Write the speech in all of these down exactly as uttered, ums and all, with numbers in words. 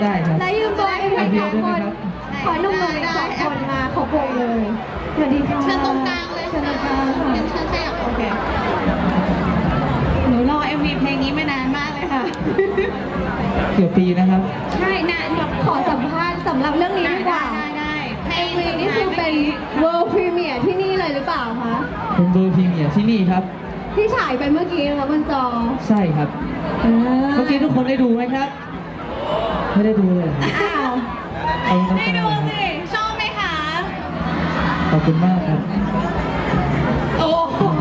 ได้ครับและยืมตัวเองไปสองคน ขอหนุ่มๆอีกสองคนมาขอบวงเลยสวัสดีค่ะเชิญตรงกลางเลยเชิญตรงกลางค่ะเชิญขยับโอเคหนูรอ เอ็ม วี เพลงนี้มานานมากเลยค่ะเกี่ยวปีนะครับใช่นานแบบขอสัมภาษณ์สำหรับเรื่องนี้ดีกว่าได้ได้เอ็มวีนี่คือเป็น World Premiere ที่นี่เลยหรือเปล่าคะเป็นเบอร์พรีเมียร์ที่นี่ครับที่ฉายไปเมื่อกี้นะคะบนจอใช่ครับอ่าเมื่อกี้ทุกคนได้ดูไหมครับ ไม่ได้ดูเลยเหรอครับอ้าวเอาน้ำได้ตาดูเหรอครับสิ ชอบไหมคะขอบคุณมากครับโอ้โห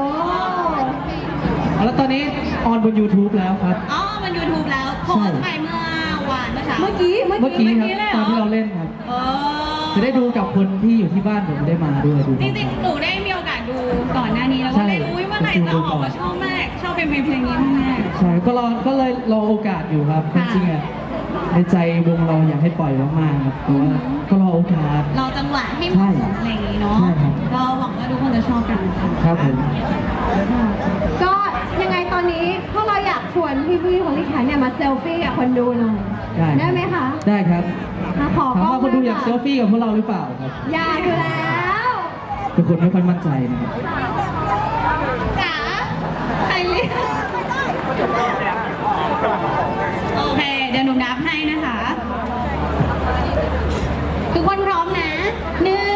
เอาแล้วตอนนี้ออนบน YouTube แล้วครับอ๋อ มัน YouTube แล้ว โพสต์ไปเมื่อวานเมื่อเช้าเมื่อกี้เมื่อเมื่อกี้กี้ครับ ตอนที่เราเล่นครับเออจะได้ดูกับคนที่อยู่ที่บ้านผมได้มาด้วยดูจริงๆ หนูได้มีโอกาสดูก่อนหน้านี้แล้วก็เล่นอุ้ยเมื่อไหร่จะออกมาชอบมาก ชอบเป็นเพลงนี้มากใช่ก็รอก็เลยรอโอกาสอยู่ครับจริงๆอ่ะในใจวงเราอยากให้ปล่อยมากๆครับแต่ว่าก็รอโอกาสเราจังหวะให้เหมาะสมอะไรอย่างงี้เนาะใช่ครับก็หวังว่าทุกคนจะชอบกันค่ะครับผมก็ยังไงตอนนี้พวกเราอยากชวนพี่ๆของลิขาเนี่ยมาเซลฟี่กับคนดูหน่อยได้ได้ไหมคะได้ครับมาขอถามกล้องว่าคนดูอยากะเซลฟี่กับพวกเราหรือเปล่าครับอยากอยู่แล้วเป็นคนไม่ค่อยมั่นใจนะครับจ๋าใครเรียกโอเค เดี๋ยวหนูนับให้นะคะ ทุกคนพร้อมนะหนึ่ง